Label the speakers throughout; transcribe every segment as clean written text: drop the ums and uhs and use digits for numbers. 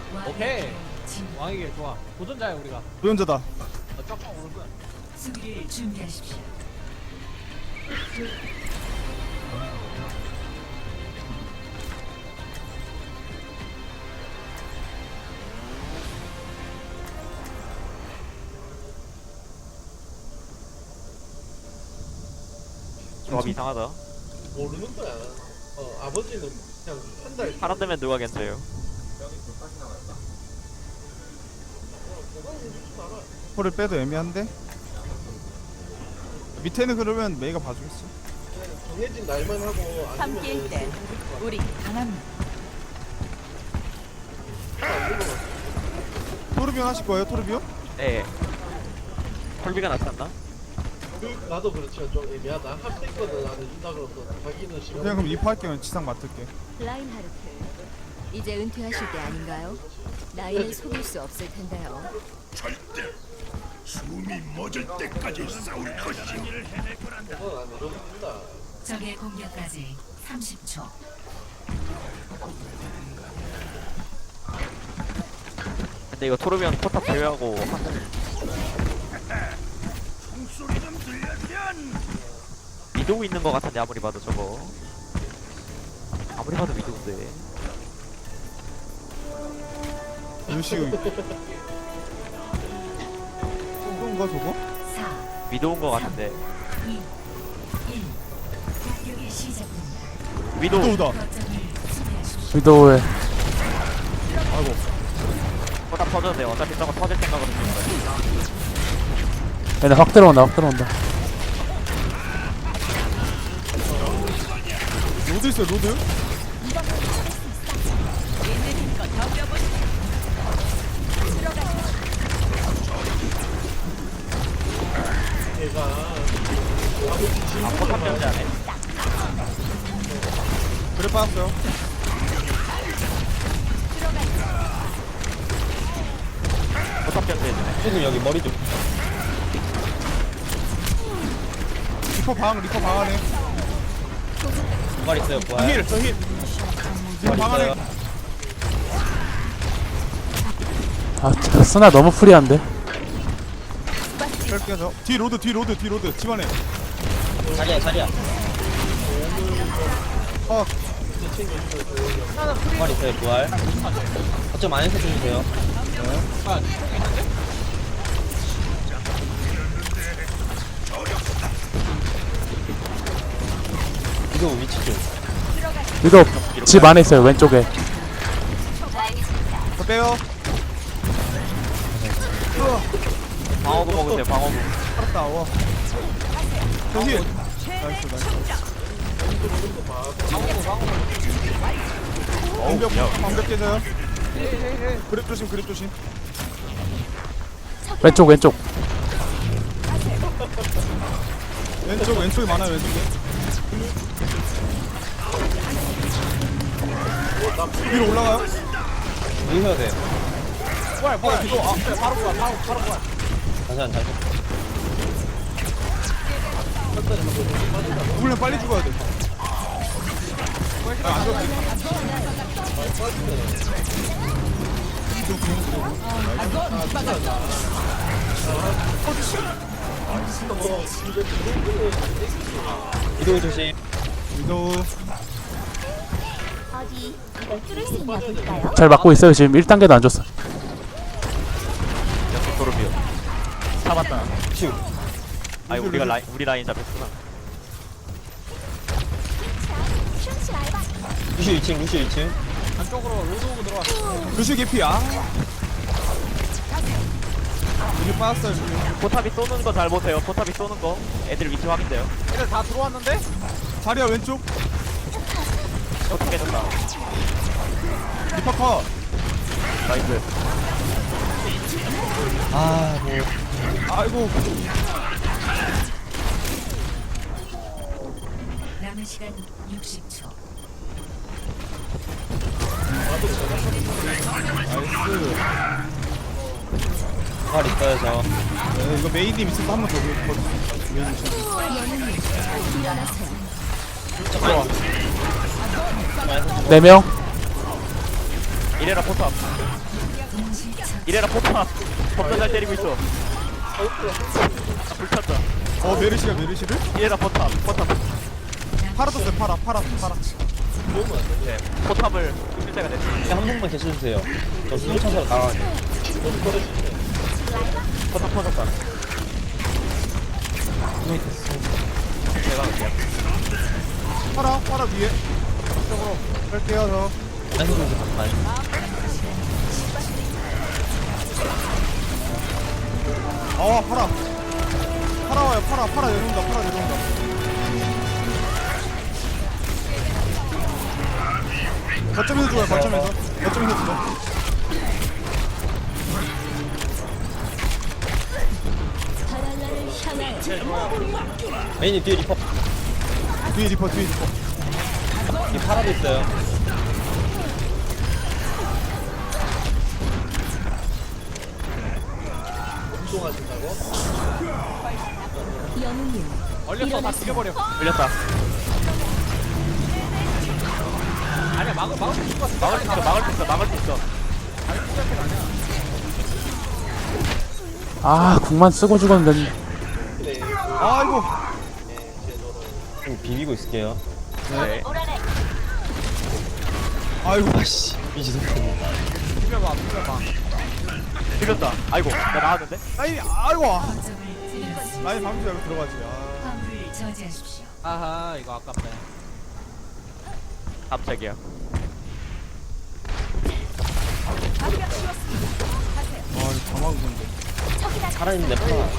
Speaker 1: 오케이. 왕이게 좋아. 도전자야 우리가.
Speaker 2: 도전자다.
Speaker 1: 쫙쫙 오른손.
Speaker 3: 수비를 준비하십시오.
Speaker 4: 조합 이상하다.
Speaker 5: 모르는 거야. 아버지는 그냥 한 달.
Speaker 4: 사람 되면 누가 괜찮아요?
Speaker 2: 홀을 빼도 애매한데? 밑에는 그러면 메이가 봐주겠어.
Speaker 5: 정해진 날만 하고
Speaker 3: 함께일 때 우리 강합니다.
Speaker 2: 토르비온 하실 거예요, 토르비온?
Speaker 4: 네. 헐비가 낫지 않나?
Speaker 5: 나도 그렇지만 좀 애매하다. 합생거든 나는 준다 그러서 자기는 싫어.
Speaker 2: 그냥 그럼 리퍼 할게요. 지상 맡을게.
Speaker 6: 라인하르트, 이제 은퇴하실 때 아닌가요? 나이는 속일 수 없을 텐데요.
Speaker 5: 그건 안 이뤄진다.
Speaker 3: 적의 공격까지 30초.
Speaker 4: 근데 이거 토르비언 포탑 제외하고 미도우 있는 거 같은데 아무리 봐도 저거. 아무리 봐도 미도우인데.
Speaker 2: 루시우. 이건가 저거?
Speaker 3: 4,
Speaker 4: 미도우인 거 같은데.
Speaker 3: 2, 1. 공격이 시작됩니다.
Speaker 4: 미도우.
Speaker 2: 위도우다.
Speaker 3: 거점을 수비하십시오.
Speaker 7: 위도우에
Speaker 2: 아이고.
Speaker 4: 포탑 터져도 돼. 어차피 저거 터질 생각으로 쓰는 거야.
Speaker 7: 얘네 확 들어온다 확 들어온다.
Speaker 2: 로드 있어요, 로드?
Speaker 5: 얘가
Speaker 4: 아, 포탑 견제 안 해.
Speaker 2: 그래 빠졌어요.
Speaker 4: 포탑 견제 해주네.
Speaker 8: 지금 여기 머리 좀
Speaker 2: 리퍼 방 안에.
Speaker 8: 부활 있어요 부활
Speaker 2: 힐, 저 힐. 리퍼 방 안에.
Speaker 7: 아 진짜 스나 너무 프리한데.
Speaker 2: 뺄게요, 저. 뒤 로드, 뒤 로드, 뒤 로드. 집안에.
Speaker 8: 자리야 자리야
Speaker 2: 어,
Speaker 8: 부활 있어요 부활 거점 안에서 주세요 이거 위치 좀
Speaker 7: 위도우 집 안에 있어요 왼쪽에.
Speaker 2: 저 빼요.
Speaker 4: 방어구 먹으세요. 방어구.
Speaker 2: 살았다, 와. 저 힐. 나이스, 나이스. 방벽 깨져요. 그립 조심, 그립 조심.
Speaker 7: 왼쪽 왼쪽.
Speaker 2: 왼쪽에 많아요, 왼쪽에. 위로 올라가요?
Speaker 8: 어디 해야 돼
Speaker 1: 뭐야 이거 바로 뭐야 바로 뭐야.
Speaker 8: 잠시만
Speaker 2: 죽으면 빨리 죽어야 돼. 안 죽어.
Speaker 8: 이동 조심
Speaker 2: 위도우.
Speaker 6: 어디 이걸 뚫을 수 있나 볼까요?
Speaker 7: 잘 막고 있어요 지금 1단계도 안 줬어.
Speaker 4: 역시 토르비언. 잡았다.
Speaker 8: 슈
Speaker 4: 아니 우리 라인 잡혔구나.
Speaker 8: 루슈 2층 루슈 2층
Speaker 1: 안쪽으로 로드 오고 들어왔어.
Speaker 2: 루시 개피, 아. 이게 빠졌어요, 지금.
Speaker 4: 포탑이 쏘는 거 잘 보세요. 포탑이 쏘는 거. 애들 위치 확인돼요.
Speaker 1: 애들 다 들어왔는데?
Speaker 2: 자리야, 왼쪽.
Speaker 4: 포탑 깨졌다.
Speaker 2: 리퍼 컷.
Speaker 4: 나이스.
Speaker 2: 아이고.
Speaker 3: 남은 시간 60초.
Speaker 2: 나이스.
Speaker 8: 부활 있어요 저
Speaker 2: 네, 이거 메이님 있어서 한 번 더 보여주세요. 메이님 있어서.
Speaker 7: 네 명.
Speaker 4: 이래라 포탑. 이래라 포탑. 겁나 잘 때리고 있어. 불탔다.
Speaker 1: 메르시가 메르시를?
Speaker 4: 이래라 포탑.
Speaker 1: 팔아 떴어요 팔아.
Speaker 4: 네. 포탑을 실제가 냈어.
Speaker 8: 한 번만 계셔주세요. 저 수술 쳐서 나가야
Speaker 4: 포탑 터졌다. 제가 할게요.
Speaker 1: 팔아 위에. 이쪽으로 뺄게요 저.
Speaker 8: 아니, 아니.
Speaker 1: 팔아 와요 팔아 내려온다. 거점에서 죽어요 거점에서 죽어.
Speaker 6: 바랄라를 향하여
Speaker 8: 메인이 뒤에 리퍼.
Speaker 1: 뒤에 리퍼.
Speaker 8: 이 파라도 있어요.
Speaker 5: 운동하신다고?
Speaker 6: 영웅님
Speaker 1: 얼렸어 다 죽여버려.
Speaker 4: 밀렸다.
Speaker 1: 아니야 막을 수 있을 것 같아.
Speaker 4: 막을 수 있어.
Speaker 7: 아 궁만 쓰고 죽었는데.
Speaker 1: 아이고.
Speaker 8: 좀 비비고 있을게요.
Speaker 4: 네.
Speaker 1: 아이고.
Speaker 8: 아씨, 미지도.
Speaker 1: 비벼봐.
Speaker 4: 밀렸다. 아이고, 나 나왔는데?
Speaker 1: 아이고.
Speaker 3: 거점을 잃었습니다.
Speaker 1: 라인 방금 전에 들어가지.
Speaker 3: 화물을 저지하십시오.
Speaker 2: 아하 이거 아깝네.
Speaker 4: 깜짝이야.
Speaker 1: 다 막은 건데.
Speaker 8: 살아있는데 파라.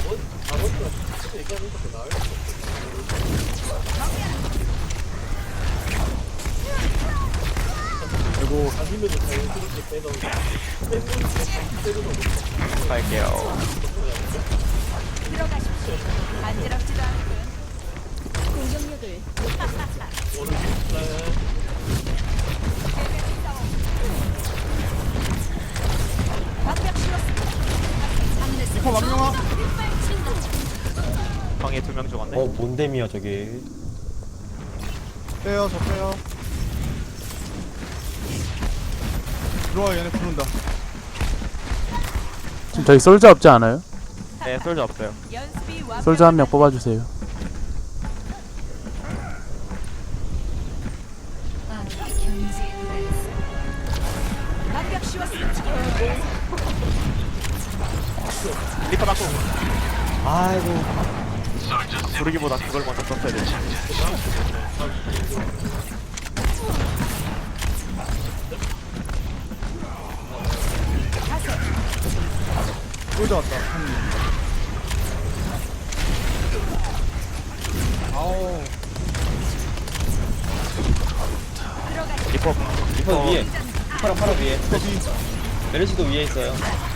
Speaker 1: 아이고.
Speaker 5: 아니면은 자연스럽게 빼던가.
Speaker 4: 갈게요.
Speaker 6: 공격력을
Speaker 1: 리퍼 망령아.
Speaker 4: 방에 2명 죽었네.
Speaker 8: 뭔데미야, 저게.
Speaker 1: 빼요 저 빼요. 들어와 얘네 부른다.
Speaker 7: 지금 저희 솔저 없지 않아요?
Speaker 4: 네, 솔저 없어요.
Speaker 7: 솔저 한 명 뽑아주세요.
Speaker 3: 아, 경제에 도달했습니다.
Speaker 4: 리퍼 맞고.
Speaker 8: 아이고.
Speaker 4: 부르기보다 그걸 먼저 썼어야 돼.
Speaker 1: 솔져 왔다. 아우.
Speaker 4: 리퍼.
Speaker 8: 리퍼 위에. 파라 위에.
Speaker 1: 거기.
Speaker 8: 메르시도 위에 있어요.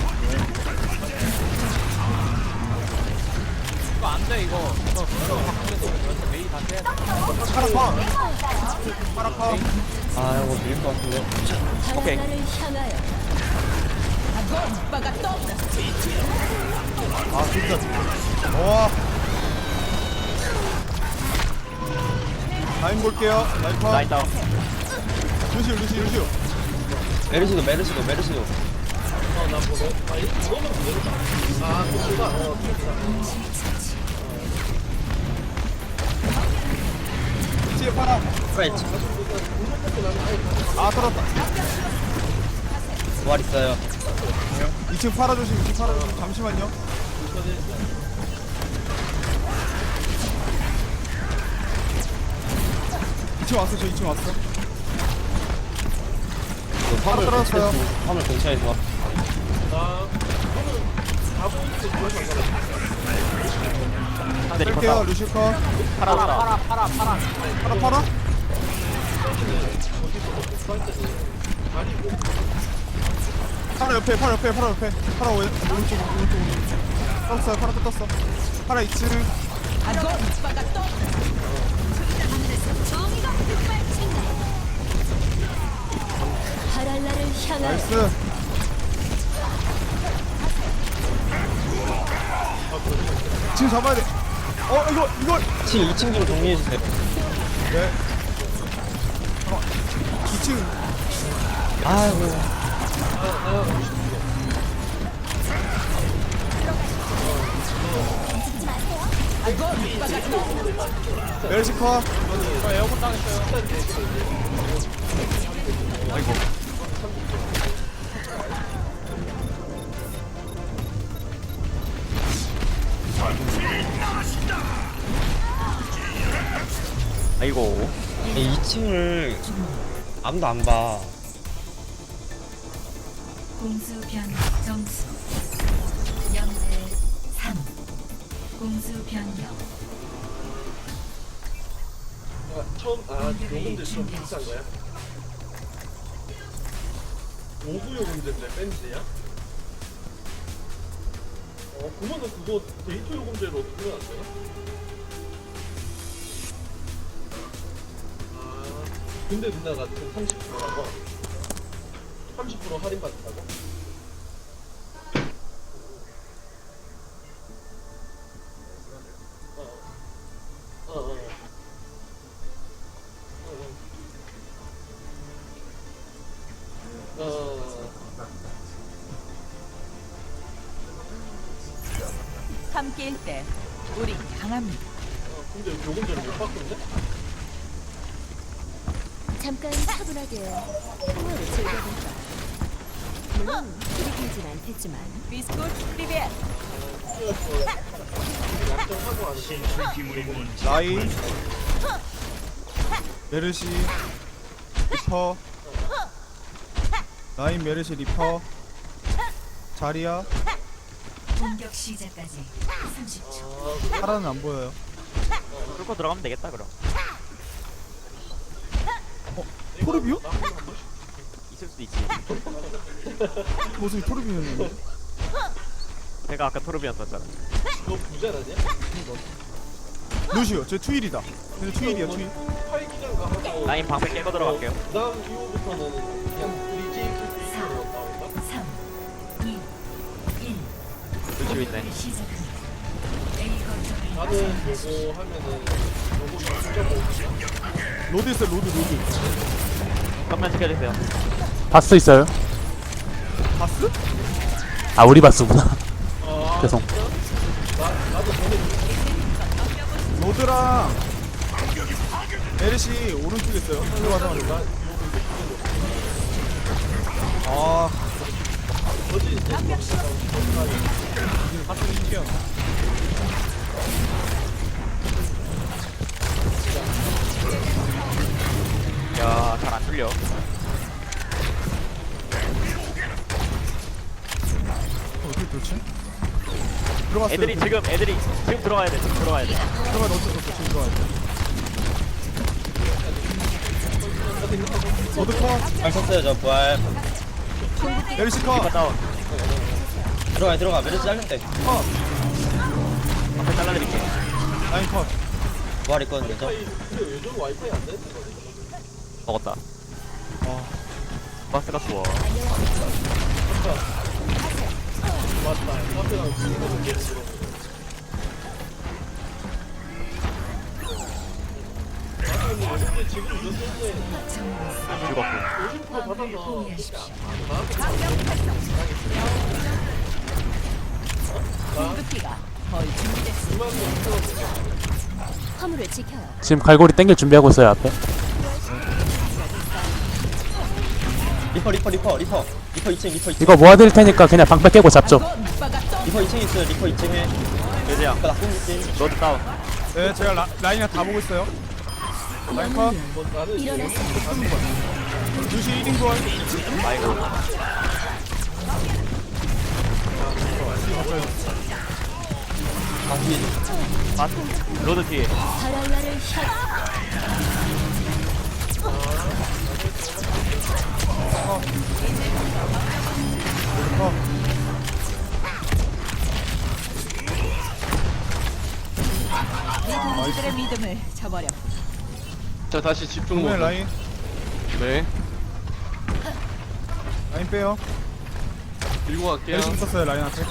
Speaker 2: 이거 안돼 이거. 이거 바꾸면서 완전 메이 다 떼야 돼.
Speaker 1: 파라파.
Speaker 8: 아이고, 밀릴 것 같은데.
Speaker 4: 오케이.
Speaker 6: 바랄라를 향하여
Speaker 1: 아 진짜. 와. 라인 볼게요. 라인 파.
Speaker 4: 라인 다운.
Speaker 1: 루시오.
Speaker 8: 메르시도.
Speaker 1: 뒤에 파라.
Speaker 8: 프렌치.
Speaker 1: 아 떨었다.
Speaker 8: 부활 있어요.
Speaker 1: 2층 파라 조심. 잠시만요. 저 2층 왔어.
Speaker 8: 화물
Speaker 1: 떨어졌어요.
Speaker 8: 화물 근처에서.
Speaker 4: 상대 리퍼
Speaker 1: 뺄게요
Speaker 4: 다운.
Speaker 1: 루시오 컷.
Speaker 4: 파라 다운.
Speaker 1: 파라. 파라 옆에. 파라 오른쪽. 떴어요. 파라 또 떴어. 파라 2층.
Speaker 6: 바랄라를 향하여
Speaker 1: 나이스. 지금 잡아야 돼. 이거.
Speaker 8: 2층 좀 정리해주세요.
Speaker 1: 네. 2층.
Speaker 8: 아이고.
Speaker 2: 멜시 컷.
Speaker 1: 저 에어컨 당했어요.
Speaker 4: 아이고. 아이고.
Speaker 8: 2층을 아무도 안 봐.
Speaker 3: 공수 변경 점수 0대 3. 공수 변경.
Speaker 5: 요금제 좀 비싼 거야? 5구 요금제인데 밴드야? 그러면은 그거 데이터 요금제로 어떻게 하면 안 되나? 근데 누나가 지금 30%라고 30% 할인 받는다고?
Speaker 6: 함께일 때 우리 강합니다.
Speaker 5: 근데 요금제를 못 바꾸는데?
Speaker 6: 잠깐 차분하게 통화를 즐겨볼까. 물론 들이키진 않겠지만. 비스코트 프리벳.
Speaker 5: 약정하고 안 해.
Speaker 2: 라인. 메르시. 리퍼. 라인 메르시 리퍼. 자리야.
Speaker 3: 공격 시작까지 30초.
Speaker 2: 파라는 안 보여요.
Speaker 4: 뚫고 들어가면 되겠다 그럼.
Speaker 2: 토르비오?
Speaker 4: 있을 수도 있지.
Speaker 2: 모습이 토르비오였는데.
Speaker 4: 제가 아까 토르비언 썼잖아.
Speaker 5: 너 부자라냐?
Speaker 2: 루시오, 저 투일이다. 근데 투일이야, 투일.
Speaker 5: 팔기장 가고
Speaker 4: 라인 방패 깨고 들어갈게요.
Speaker 5: 그 다음 이후부터는 그냥 브리지 필수로 나온다?
Speaker 3: 3, 2, 1.
Speaker 4: 루시오 있네.
Speaker 3: 시작합니다. A 거점을
Speaker 5: 나는 요거 하면은 요거 6.5
Speaker 2: 로드 있어, 로드.
Speaker 4: 정면 지켜주세요.
Speaker 7: 바스 있어요?
Speaker 2: 바스?
Speaker 7: 아 우리 바스구나. 죄송.
Speaker 2: 로드랑 메르시 오른쪽에 있어요. 들어가자마자. 아. 바스 시켜.
Speaker 4: 야, 잘 안 뚫려.
Speaker 2: 어떻게 뚫지? 들어갔어요.
Speaker 4: 애들이 지금 들어가야 돼. 지금 들어가야 돼.
Speaker 2: 들어가 넣었어, 지금 들어가야 돼. 로드 컷.
Speaker 8: 잘 쳤어요 저 부활.
Speaker 2: 메르시 컷.
Speaker 4: 다운.
Speaker 8: 들어가. 메르시 잘렸대.
Speaker 4: 방패 잘라드릴게.
Speaker 2: 라인 컷.
Speaker 8: 부활 있거든요 저.
Speaker 5: 근데 요즘 와이파이 안 되는 거
Speaker 4: 먹었다. 바스가 좋아.
Speaker 5: 맞다. 카페랑 지금 얘기 들어. 근데 지금 이런 때문에
Speaker 4: 죽었고.
Speaker 5: 50% 받아서
Speaker 3: 포기하십시오.
Speaker 6: 공급기가 거의 준비됐어. 화물을 지켜요.
Speaker 7: 지금 갈고리 땡길 준비하고 있어요 앞에.
Speaker 8: 리퍼 2층.
Speaker 7: 이거 모아드릴 테니까 그냥 방패 깨고 잡죠.
Speaker 8: 리퍼 2층 있어요. 리퍼 2층에.
Speaker 4: 그지야.
Speaker 8: 아까 나쁜 느낌.
Speaker 4: 로드 다운.
Speaker 2: 네, 제가 라인이랑 다 보고 있어요. 라인 컷.
Speaker 6: 일어나서
Speaker 2: 루시 1인 부활.
Speaker 4: 아이고.
Speaker 8: 아 뒤에.
Speaker 4: 바스. 로드 뒤에.
Speaker 6: 바랄라를 향. 이들의 믿음을 저버려.
Speaker 5: 자 다시 집중
Speaker 2: 정면 라인.
Speaker 5: 네.
Speaker 2: 라인 빼요.
Speaker 5: 밀고 갈게요.
Speaker 2: 메르시 붙었어요, 라인 앞에.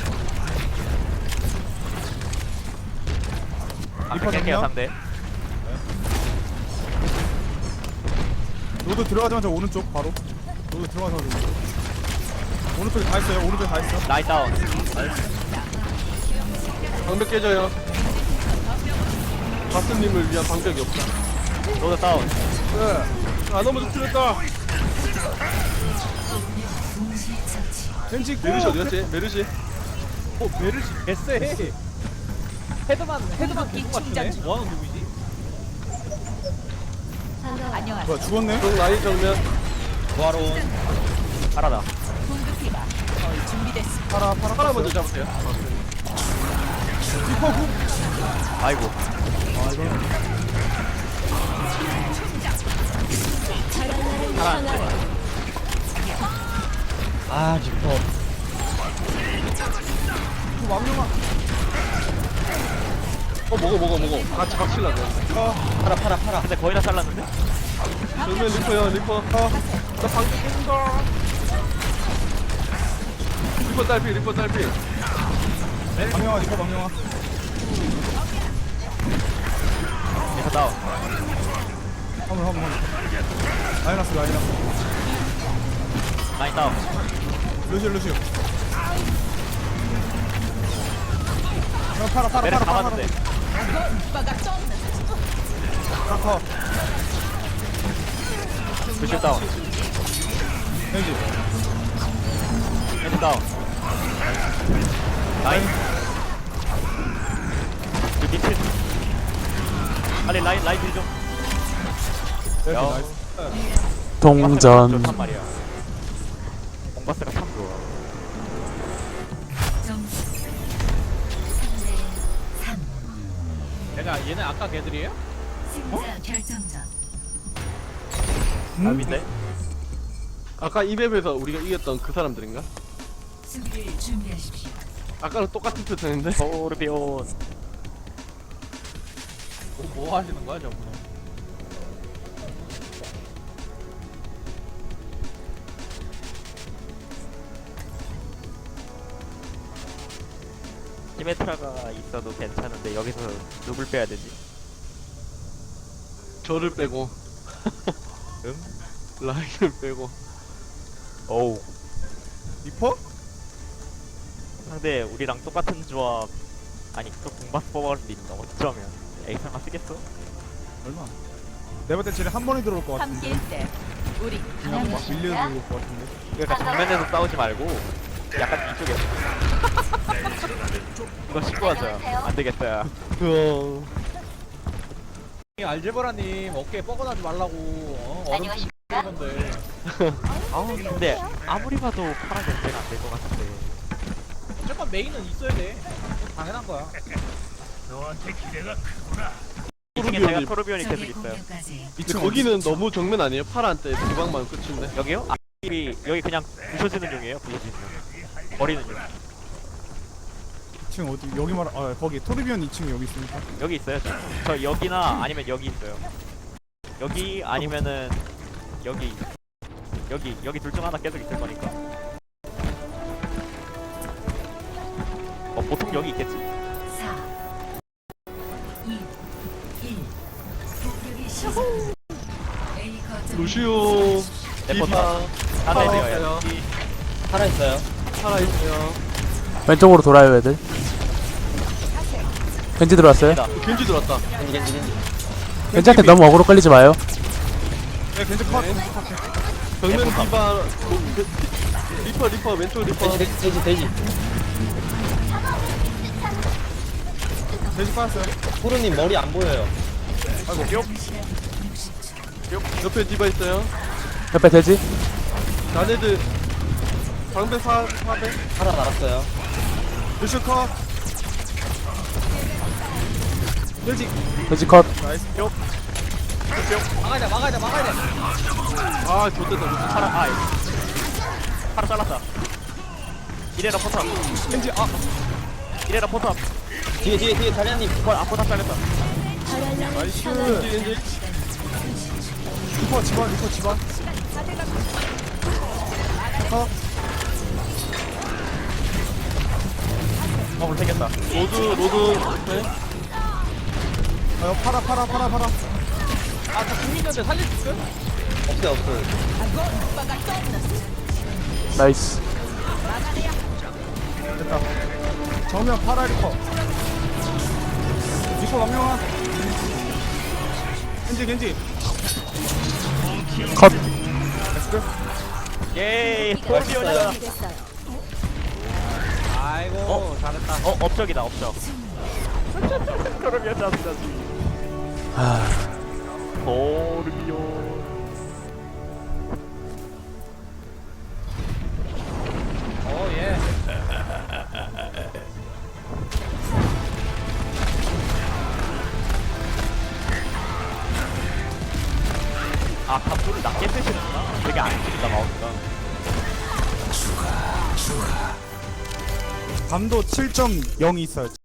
Speaker 4: 방패 깰게요 3대.
Speaker 2: 로드 들어가자마자 오른쪽 바로. 로드 들어가자마자 오른쪽에 다 있어요. 오른쪽에 다 있어.
Speaker 4: 라인 다운.
Speaker 5: 방벽 깨져요. 바스님을 위한 방벽이 없다.
Speaker 4: 로드 다운.
Speaker 5: 네. 아 너무 틀렸다.
Speaker 3: 동시 처치.
Speaker 2: 겐지 고.
Speaker 5: 메르시 어디 갔지? 메르시.
Speaker 1: 메르시 개쎄. 헤드만 계속 맞추네. 뭐하는 누구지?
Speaker 6: 반가워요.
Speaker 2: 뭐야 죽었네?
Speaker 5: 중 라인 정면.
Speaker 8: 부하로 온.
Speaker 4: 파라다.
Speaker 5: 파라 먼저 잡으세요.
Speaker 2: 리퍼 구.
Speaker 4: 아이고.
Speaker 8: 아 리퍼.
Speaker 5: 먹어. 같이 박실라 돼.
Speaker 8: 팔아.
Speaker 4: 근데 거의 다 잘랐는데?
Speaker 5: 정면 리퍼요, 리퍼. 나 방금 깨진다. 리퍼 딸피.
Speaker 2: 방영아 리퍼 방영아.
Speaker 4: 리퍼 다운.
Speaker 2: 화물. 라이너스.
Speaker 4: 라인 다운.
Speaker 2: 루시오. 파라.
Speaker 4: 메르시 잡았는데.
Speaker 2: 파라.
Speaker 4: 루시오 다운.
Speaker 2: 겐지.
Speaker 4: 겐지 다운. 라인. 그 밑에. 빨리 라인 딜 좀. 야.
Speaker 2: 나이스.
Speaker 7: 동전.
Speaker 4: 좋단 말이야. 공바스가 참 좋아.
Speaker 3: 점수 3대 3.
Speaker 1: 얘네 아까 걔들이에요?
Speaker 3: 승자 결정전.
Speaker 4: 남인데?
Speaker 5: 아까 이 맵에서 우리가 이겼던 그 사람들인가?
Speaker 3: 수비를 준비하십시오.
Speaker 5: 아까랑 똑같은 패턴인데?
Speaker 4: 토르비온.
Speaker 1: 뭐 하시는 거야 저분은?
Speaker 4: 시메트라가 있어도 괜찮은데 여기서 누굴 빼야 되지?
Speaker 5: 저를 빼고
Speaker 4: 응?
Speaker 5: 라인을 빼고.
Speaker 4: 어우.
Speaker 2: 리퍼?
Speaker 4: 상대 우리랑 똑같은 조합. 아니 또 공바스 뽑아갈 수도 있는데 어쩌면 에이상가 쓰겠어?
Speaker 2: 얼마? 내가 볼때 쟤네 한 번에 들어올 것 같은데.
Speaker 6: 함께일 때 우리
Speaker 2: 그냥 막 밀려 들어올 것 같은데.
Speaker 4: 그러니까 정면에서 싸우지 말고 약간 뒤쪽에서. 이거 신고하자. 안 되겠다. 야.
Speaker 1: 알제브라님 어깨에 뻐근하지 말라고. 얼음 좀 건데.
Speaker 4: 아우 근데 아무리 봐도 파란 견제가 안 될 것 같은데.
Speaker 1: 무조건 메인은 있어야 돼. 당연한 거야.
Speaker 4: 2층에 제가 토르비온이 계속
Speaker 3: 적의
Speaker 4: 있어요.
Speaker 3: 공격까지
Speaker 5: 근데 거기는 너무 정면 아니에요? 파란때 주방만 끝인데.
Speaker 4: 여기요? 아, 여기 그냥 부셔지는 용이에요. 부셔지는 용. 버리는 용.
Speaker 2: 2층 어디? 여기 말. 아 거기 토르비온 2층 여기 있으니까.
Speaker 4: 여기 있어요. 저 여기나 아니면 여기 있어요. 여기 아니면은 여기 둘 중 하나 계속 있을 거니까. 보통 여기 있겠지.
Speaker 3: 4 2 1 공격이 시작. A 거점
Speaker 5: 루시오.
Speaker 4: 레포터 하나 되어요.
Speaker 8: 팔아 있어요.
Speaker 5: 살아있어요.
Speaker 7: 왼쪽으로 돌아요 애들. 겐지 들어왔어요.
Speaker 5: 겐지 들어왔다.
Speaker 8: 겐지.
Speaker 7: 겐지한테 너무 어그로 끌리지 마요.
Speaker 2: 네 겐지 컷.
Speaker 5: 정면 디바. 리퍼 왼쪽 리퍼.
Speaker 8: 돼지.
Speaker 2: 겐지 빠졌어요.
Speaker 8: 호루님 머리 안 보여요.
Speaker 5: 옆에 디바 있어요.
Speaker 7: 옆에 돼지.
Speaker 5: 나네들 방배 4배.
Speaker 8: 팔아 날았어요.
Speaker 2: 루시오 컷. 겐지.
Speaker 7: 돼지 컷.
Speaker 2: 나이스.
Speaker 1: 막아야 돼.
Speaker 5: 아 좋됐다.
Speaker 4: 파라 잘랐다. 이래라 포탑.
Speaker 2: 겐지
Speaker 4: 이래라 포탑.
Speaker 8: 뒤에 다리아님.
Speaker 4: 포탑 잘렸다.
Speaker 2: 나이스.
Speaker 5: 겐지.
Speaker 2: 리퍼 집안.
Speaker 4: 못생겼다.
Speaker 5: 로드. 네.
Speaker 2: 파라.
Speaker 1: 아저 궁 있는데 살릴 수 있어?
Speaker 8: 없어요 없어요.
Speaker 7: 나이스.
Speaker 2: 됐다. 정면 파라 리퍼. 리퍼 남명아. 겐지.
Speaker 7: 컷.
Speaker 2: 렛츠고.
Speaker 4: 예이
Speaker 8: 맛있어요.
Speaker 4: 콜비오냐.
Speaker 6: 됐어요.
Speaker 1: 아이고 잘했다.
Speaker 4: 업적이다 업적. 토르비온 잡는다. 토르비온.
Speaker 1: 예.
Speaker 4: 아 감도를 낮게 쓰시는구나. 되게 안 쓰니까 마우스가.
Speaker 2: 감도 7.0이 있어요.